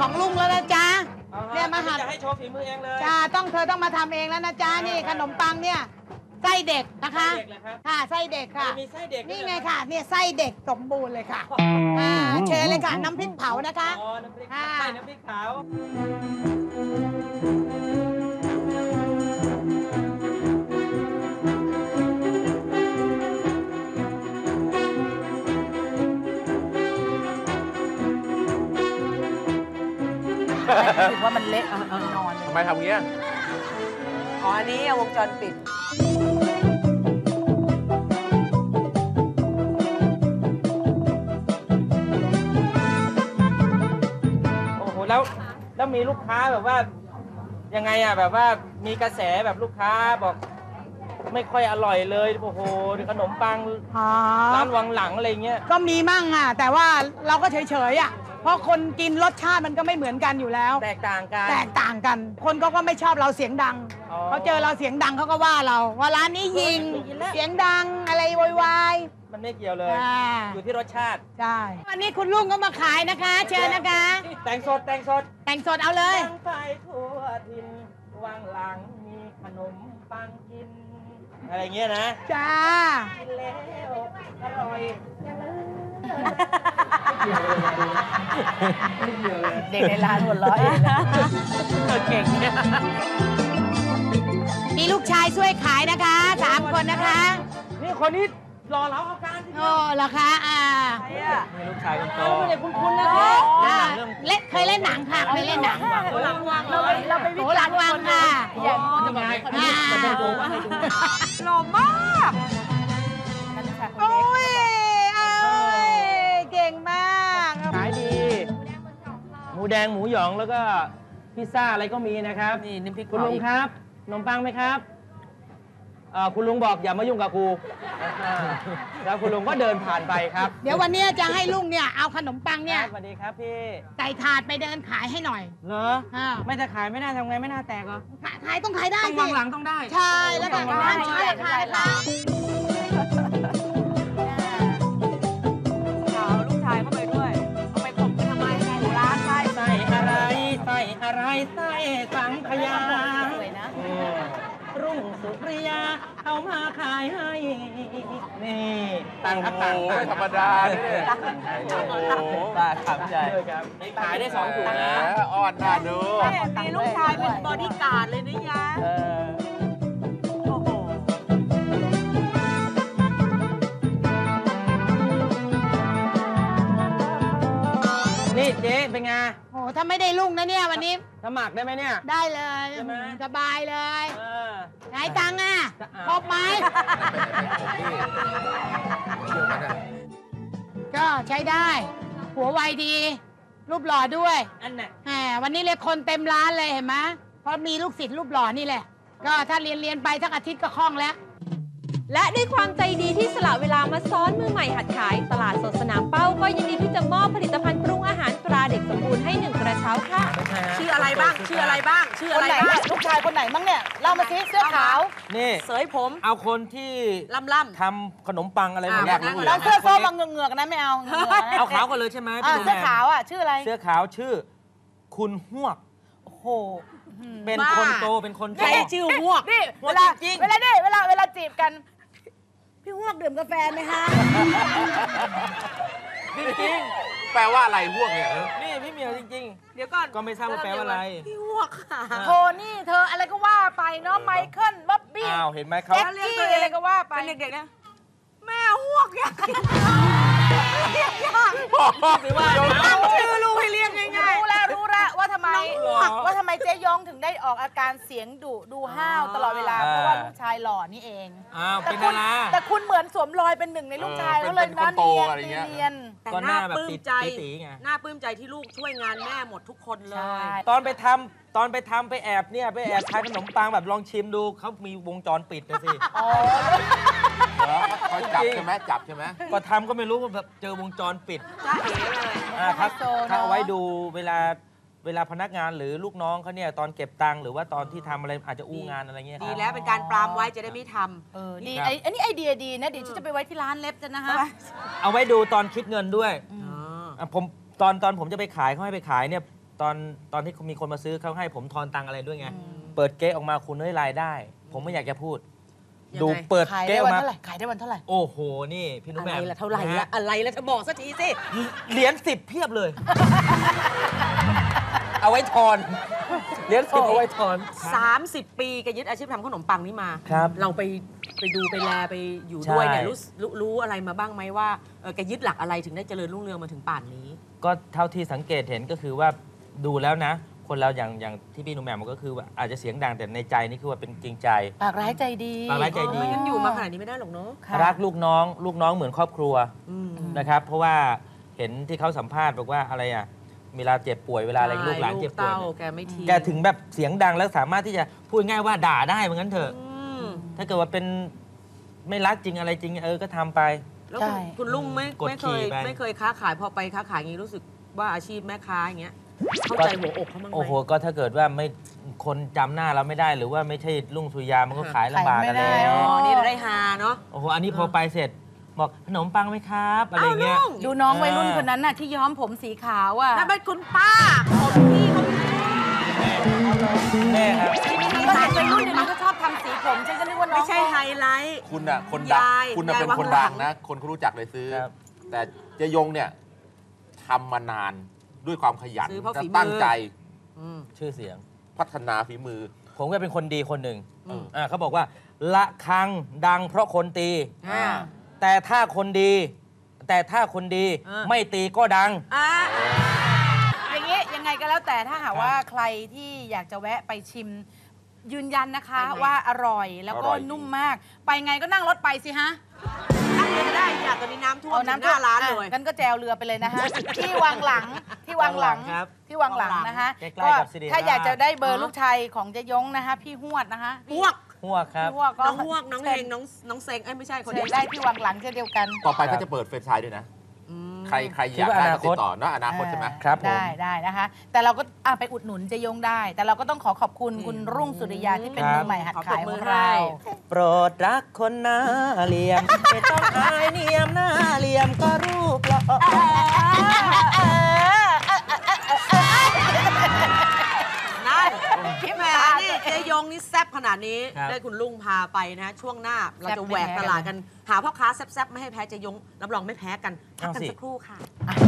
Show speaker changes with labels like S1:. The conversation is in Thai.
S1: ของลุงแล้วนะจ๊ะเนี่ยมาหัด
S2: จะให้โชว์ฝีมือเองเลย
S1: จ้าเธอต้องมาทำเองแล้วนะจ๊ะนี่ขนมปังเนี่ยไส้เด็กนะคะค่ะไส้เด็กค่ะ
S2: มีไส้เด็ก
S1: นี่ไงค่ะเนี่ยไส้เด็กสมบูรณ์เลยค่ะเชิญเลยค่ะน้ำพริกเผานะคะ
S2: อ๋อน้ำพริกไส้น้ำพริกเผา
S3: รู้สึกว่ามันเละนอน
S4: ทำไมทำงี้
S3: อ๋ออันนี้วงจรปิด
S2: โอ้โหแล้วมีลูกค้าแบบว่ายังไงอ่ะแบบว่ามีกระแสแบบลูกค้าบอกไม่ค่อยอร่อยเลยโอ้โหขนมปังร้านวังหลังอะไรเงี้ย
S1: ก็มีมั่งอ่ะแต่ว่าเราก็เฉยๆอ่ะเพราะคนกินรสชาติมันก็ไม่เหมือนกันอยู่แล้ว
S2: แตกต่าง
S1: กันคนก็ไม่ชอบเราเสียงดังเขาเจอเราเสียงดังเขาก็ว่าเราว่าร้านนี้ยิงเสียงดังอะไรโวยวาย
S2: มันไม่เกี่ยวเลยอยู่ที่รสชาติ
S1: ใช่วันนี้คุณลุงก็มาขายนะคะเชิญนะคะ
S2: แต่งสด
S1: เอาเลย
S2: ไปทั่วถิ่นวังหลังมีขนมปังกินอะไรเงี้ยนะ
S1: จ้า
S2: กินแล้วอร่อย
S3: เด็กในร้านหัวเราะเองนะ
S2: เก่งเนี่ย
S1: มีลูกชายช่วยขายนะคะ3 คนนะคะ
S2: นี่คนนี้รอเราเอาการ
S1: โอ้เหรอคะ
S2: มีลูกชายคนโต
S1: เด็กคุ้นๆนะคะเคยเล่นหนังค่ะเคยเล่นหนัง
S3: โหลังวังเราไป
S1: โหลังวังค่ะ
S2: ทำไมจะดูว่าให้ดู
S3: หล่อมาก
S1: โอ้ยเก่งมาก
S2: ขายดีหมูแดงหมูหยองแล้วก็พิซซ่าอะไรก็มีนะครับ
S3: นี่น้ำพริก
S2: คุณลุงครับขนมปังไหมครับคุณลุงบอกอย่ามายุ่งกับครูแล้วคุณลุงก็เดินผ่านไปครับ
S1: เดี๋ยววันนี้จะให้ลุงเนี่ยเอาขนมปังเนี่ย
S2: สวัสดีครับพี่
S1: ใส่ถาดไปเดินขายให้หน่อย
S2: เหรอไม่จะขายไม่น่าทำไงไม่น่าแตกเหรอ
S1: ขายต้องขายได้
S2: ต้องวางหลังต้องได้
S1: ใช่แล้วก็ห้ามช้าราคานะคะ
S3: ลูกชายเข้าไปด้วยเอาไปข่มกันทำไมร้าน
S2: ใส่อะไรใส่สังขยารุ่งสุริยาเอามาขายให้นี่ตังครับตัง
S4: ไม่ธรรมดา
S2: ป้าทำใจขายได้2 ถุงนะ
S4: อ่อนน่าดู
S3: มีลูกชายเป็นบอดี้การ์ดเลยนะยะโอ้โห
S2: นี่เจ๊เป็นไง
S1: โอ้ถ้าไม่ได้ลุงนะเนี่ยวันนี้
S2: สมัครได้ไหมเนี่ย
S1: ได้เลยสบายเลยไหนตังค์อ่ะครบไหมก็ใช้ได้หัวไวดีรูปหล่อด้วย
S2: อันไหน
S1: วันนี้เลยคนเต็มร้านเลยเห็นไหมเพราะมีลูกศิษย์รูปหล่อนี่แหละก็ถ้าเรียนไปสักอาทิตย์ก็คล่องแล้ว
S5: และด้วยความใจดีที่สละเวลามาซ้อนมือใหม่หัดขายตลาดสดสนามเป้าก็ยินดีที่จะมอบผลิตภัณฑ์ปรุงอาหารตราเด็กสมบูรณ์ให้1 กระเช้าค่ะ
S3: ชื่ออะไรบ้างลูกชายคนไหนบ้างเนี่ยเล่ามาสิเสื้อขาว
S2: นี่
S3: เสยผม
S2: เอาคนที่
S3: ล่ำ
S2: ทำขนมปังอะไรแบบนี้
S3: แล้วเสื้อส้มมาเหงือกนะไม่เอา
S2: เอาขาวกันเลยใช่ไหม
S3: เสื้อขาวอ่ะชื่ออะไร
S2: เสื้อขาวชื่อคุณฮวก
S3: โอ้โห
S2: เป็นคนโตเป็นคนโต
S3: ชื่อฮวกนี่เวลาจีบกันพี่ฮวกดื่มกาแฟไหมฮะ
S2: จริง
S4: แปลว่าอะไรฮวกเนี่ย
S2: นี่พี่เหมียวจริง
S3: ๆเดี๋ยวก่อน
S2: ก็ไม่ทราบว่าแปลว่าอะไร
S3: พี่ฮวกค่ะโทนี่เธออะไรก็ว่าไปเนาะไมเคิลบ๊อบบี้
S2: อ้าวเห็นไหมเขา
S3: เรียกตัวเองอะไรก็ว่าไปเป็นเด็กๆนะแม่ฮวกอยากตั้งชื่อลูกให้เรียกง่ายๆรู้แล้วว่าทำไมเจ๊ยงถึงได้ออกอาการเสียงดุดูห้าวตลอดเวลาเพราะว่าลูกชายหล่อนี่เอง
S2: เป็นดารา
S3: แต่คุณเหมือนสวมรอยเป็นหนึ่งในลูกชายแล้วเลยนะเนียน
S2: แต่หน้าปลื้มใจ
S3: หน้าปลื้มใจที่ลูกช่วยงานแม่หมดทุกคนเลย
S2: ตอนไปทำไปแอบทานขนมปังแบบลองชิมดูเขามีวงจรปิดนะสิ
S4: เขาจับใช่ไหม
S2: ก็ทำก็ไม่รู้ว่าแบบเจอวงจรปิดครับถ้าเอาไว้ดูเวลาพนักงานหรือลูกน้องเขาเนี่ยตอนเก็บตังค์หรือว่าตอนที่ทำอะไรอาจจะอู้งานอะไรเงี้ย
S3: ดีแล้วเป็นการปรามไว้จะได้ไม่ทำดีอันนี้ไอเดียดีนะเดี๋ยวฉันจะไปไว้ที่ร้านเล็บจะนะฮะ
S2: เอาไว้ดูตอนคิดเงินด้วยผมตอนผมจะไปขายเขาให้ไปขายเนี่ยตอนที่มีคนมาซื้อเขาให้ผมทอนตังค์อะไรด้วยไงเปิดเก๊ะออกมาคุณได้รายได้ ผมไม่อยากจะพูด ดูเปิด
S3: ขาย
S2: เก๊ะ
S3: ได้
S2: ออ
S3: วัน
S2: กมา
S3: เท่าไหร่ขายได้วันเท่าไหร่
S2: โอ้โหนี่พี่นุ้
S6: อะ
S2: แห
S6: ไร
S2: ม่ม
S6: ละเท่าไหร่ละอะไรละเธอบอกสักทีสิ
S2: เหรียญ10เพียบเลย เอาไว้ทอนเหรียญ10เอาไว้ทอน
S6: 30 ปีแกยึดอาชีพทำขนมปังนี่มา
S2: ครับ
S6: เราไปดูไปแลไปอยู่ด้วยเนี่ย
S2: ใช่
S6: รู้อะไรมาบ้างไหมว่าแกยึดหลักอะไรถึงได้เจริญรุ่งเรืองมาถึงป่านนี้
S2: ก็เท่าที่สังเกตเห็นก็คือว่าดูแล้วนะ คนเราอย่างที่พี่หนุ่มแหม่มก็คือว่าอาจจะเสียงดังแต่ในใจนี่คือว่าเป็นจริงใจ
S3: ปากร้ายใจดี
S2: ปากร้ายใจดี
S6: ไม่งั้นอยู่มาขนาดนี้ไม่ได้หรอกเนาะ
S3: ค่ะ
S2: รักลูกน้องเหมือนครอบครัว
S6: อืม
S2: นะครับ เพราะว่าเห็นที่เขาสัมภาษณ์บอกว่าอะไรอ่ะเวลาเจ็บป่วยเวลาอะไรลูกหลานเจ็บป่วย
S6: เต้า
S2: เนี่ย
S6: แกไม่ทิ้ง
S2: แกถึงแบบเสียงดังแล้วสามารถที่จะพูดง่ายว่าด่าได้เหมือนกันเถอะ
S6: อืม
S2: ถ้าเกิดว่าเป็นไม่รักจริงอะไรจริงก็ทำไป
S6: แล้ว
S3: ใช่
S6: คุณลุงไม่
S2: กดขี่ไป
S6: ไม่เคยค้าขายพอไปค้าขายอย่างนี้รู้สึกว่าอาชีพแม่ค้าอย่างเงี้ยเข้าใจหัวอกเขาบ้างไหม
S2: โอ้โหก็ถ้าเกิดว่าไม่คนจำหน้าเราไม่ได้หรือว่าไม่ใช่ลุงสุริยามันก็ขายลำบากกัน
S3: ขายไม่ได้
S2: แล้ว
S6: อ๋อนี่เราได้ฮาเนาะ
S2: โอ้โหอันนี้พอไปเสร็จบอกขนมปังไหมครับอะไรเงี้ย
S3: ดูน้องวัยรุ่นคนนั้นน่ะที่ย้อมผมสีขาวอ่ะ
S6: นั่นเป็นคุณป้าของพี่เขา
S2: แม่ครับ
S3: ก็เห็นวัยรุ่นเดี๋ยวนี้ก็ชอบทำสีผมฉันก็นึกว่าน้อง
S6: ไม่ใช่ไฮไลท์
S4: คุณน่ะคนดัง
S6: ยาย
S4: คุณน่ะ
S6: ยาย
S4: เป็นคน
S6: วังหลั
S4: ดั
S6: ง
S4: งนะ คนเขารู้จักเลยซื้อ
S2: ครับ
S4: แต่เจยงเนี่ยทำมานานด้วยความขยัน
S6: ซื้อเพราะ
S4: และ
S6: ฝีมือ
S4: ตั้งใจ
S6: อืม
S2: ชื่อเสียง
S4: พัฒนาฝีมือ
S2: ผมก็เป็นคนดีคนหนึ่ง
S6: อืม
S2: เขาบอกว่าละคังดังเพราะคนตี
S6: อ่า
S2: แต่ถ้าคนดีไม่ตีก็ดัง
S6: อ่า
S3: อย่างนี้ยังไงก็แล้วแต่ถ้าหากว่าใครที่อยากจะแวะไปชิม ยืนยันนะคะ
S6: ไปไง
S3: ว่าอร่อยแล้วก็
S4: อร่อย
S3: นุ่มมาก ไปไงก็นั่งรถไปสิฮะ
S6: นั่งเรือได้อยากตอนนี้น้ำท่วม
S3: เอา
S6: ถึง
S3: น้ำ
S6: หน้าร้านเลย
S3: กันก็แจวเรือไปเลยนะฮะ ที่วังหลังที่วังหลัง
S2: ครับ
S3: ที่วังหลังนะคะ
S2: ใกล้ๆกับสิริราช
S3: ถ้าอยากจะได้เบอร์ลูกชายของเจยงนะคะ พี่หวดนะคะ
S6: พวก
S2: หัวครับ
S3: พี่หวดก็
S6: น้องพวกน้องเฮงน้องเซงเอ้ยไม่ใช่คน
S3: เชิ
S6: นี้
S3: ญได้ที่วังหลังเช่นเดียวกัน
S4: ต่อไปเขาจะเปิดเฟรนไชส์ด้วยนะ
S6: อืม
S4: ใครอ
S2: คิด
S4: ยาก
S2: ว่า
S4: ได้
S2: อนา
S4: ก็
S2: ค
S4: ติ
S2: ต
S4: ดต่อเนอะอนาคตใช่ไหม
S2: ครับผม
S3: ได้นะคะ แต่เราก็ไปอุดหนุนเจยงได้ แต่เราก็ต้องขอบคุณคุณรุ่งสุริยาที่เป็นมือใหม่หัดขายของเรา
S2: โปรดรักคนหน้าเหลี่ยม ไม่ต้องอายเนียมหน้าเหลี่ยมก็รูปหล่อ
S6: นั่นพี่แม่นี่เจยงนี่แซ่บขนาดนี้
S2: ครับ
S6: ได้คุณลุงพาไปนะ ช่วงหน้าเราจะแหวกตลาดกัน หาพ่อค้าแซ่บๆไม่ให้แพ้เจยงรับรองไม่แพ้กันพักกันสักครู่ค่ะ